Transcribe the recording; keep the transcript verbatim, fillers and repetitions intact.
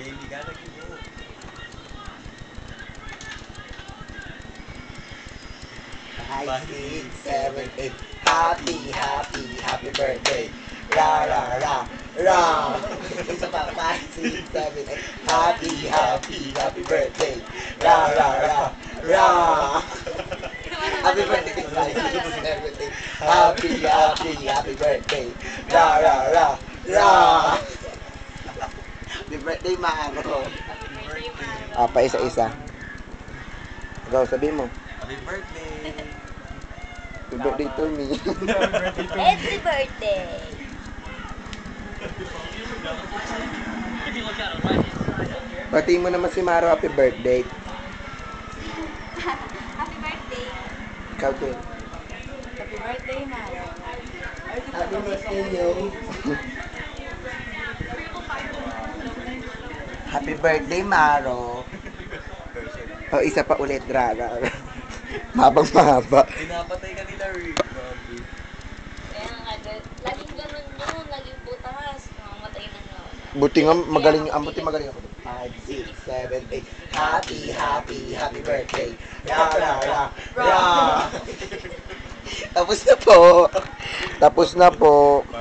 Daily ka nag-ibo. five, six, seven, eight. Happy, happy, happy birthday. Ra, ra, ra, ra. Isa pa, five, six, seven, eight. Happy, happy, happy birthday. Ra, ra, ra, ra. Happy birthday, five, six, seven, eight. Happy, happy, happy birthday. Ra, ra, ra, ra. Happy birthday, Maro. Ah, pa isa-isa. Ikaw, sabihin mo. Happy birthday! Happy birthday to me. Happy birthday! Batiin mo naman si Maro, happy birthday. Happy birthday! Ikaw din. Happy birthday, Maro. Happy birthday, yo. Happy birthday, Maro. O, oh, isa pa ulit, Rara. Mabang mahaba. Pinapatay ka nila, Rick. Grabe. Kaya nga, laging ganun yun. Laging butas. Namamatay na nga. Buti nga, magaling, ang buti magaling ako. five, six, seven, eight. Happy, happy, happy birthday. Ra, ra, ra, ra. Tapos na po. Tapos na po.